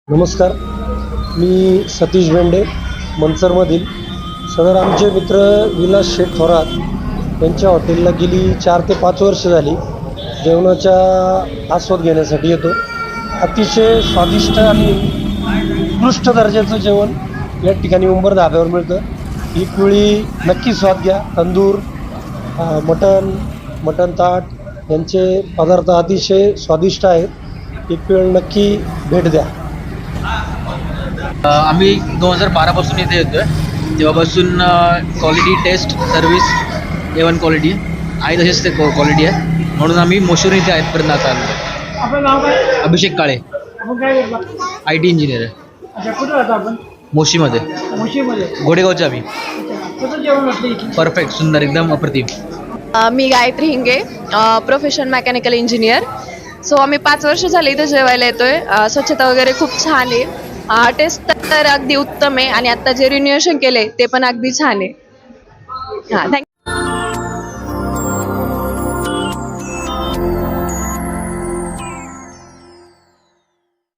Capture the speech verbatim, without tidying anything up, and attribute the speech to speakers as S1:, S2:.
S1: नमस्कार, मी सतीश बेंडे मनसरमधील. सदर आमचे मित्र विलास शेठ थोरात यांच्या हॉटेलला गेली चार ते पाच वर्ष झाली जेवणाचा आस्वाद घेण्यासाठी येतो. अतिशय स्वादिष्ट आणि उत्कृष्ट दर्जाचं जेवण या ठिकाणी उंबर धाब्यावर मिळतं. ही कुळी नक्की स्वाद घ्या. तंदूर, मटण मटण ताट यांचे पदार्थ अतिशय स्वादिष्ट आहेत. एक वेळ नक्की भेट द्या.
S2: आम्ही दोन हजार बारापासून इथे येतो आहे. तेव्हापासून quality, taste, service A one quality आहे, तसेच ते क्वालिटी आहे, म्हणून आम्ही मोशोर इथे आहेतपर्यंत आता आलो.
S3: आपलं नाव काय?
S2: अभिषेक काळे,
S3: आपण काय करता?
S2: आय टी इंजिनियर आहे.
S3: अच्छा, कुठं राहतो आपण?
S2: मोशीमध्ये,
S3: मुशीमध्ये.
S2: घोडेगावचे आम्ही.
S3: अच्छा, कसं जेवण वाटलं इथे?
S2: परफेक्ट, सुंदर, एकदम अप्रतिम.
S4: अ, मी Gayatri Hinge, profession mechanical engineer. So आम्ही पाच वर्ष झाले इथं जेवायला येतोय. अ, स्वच्छता वगैरे खूप छान आहे. टेस्ट तर अगदी उत्तम आहे आणि आता जे रिन्युएशन केले ते पण अगदी छान आहे. हां, थँक्यू.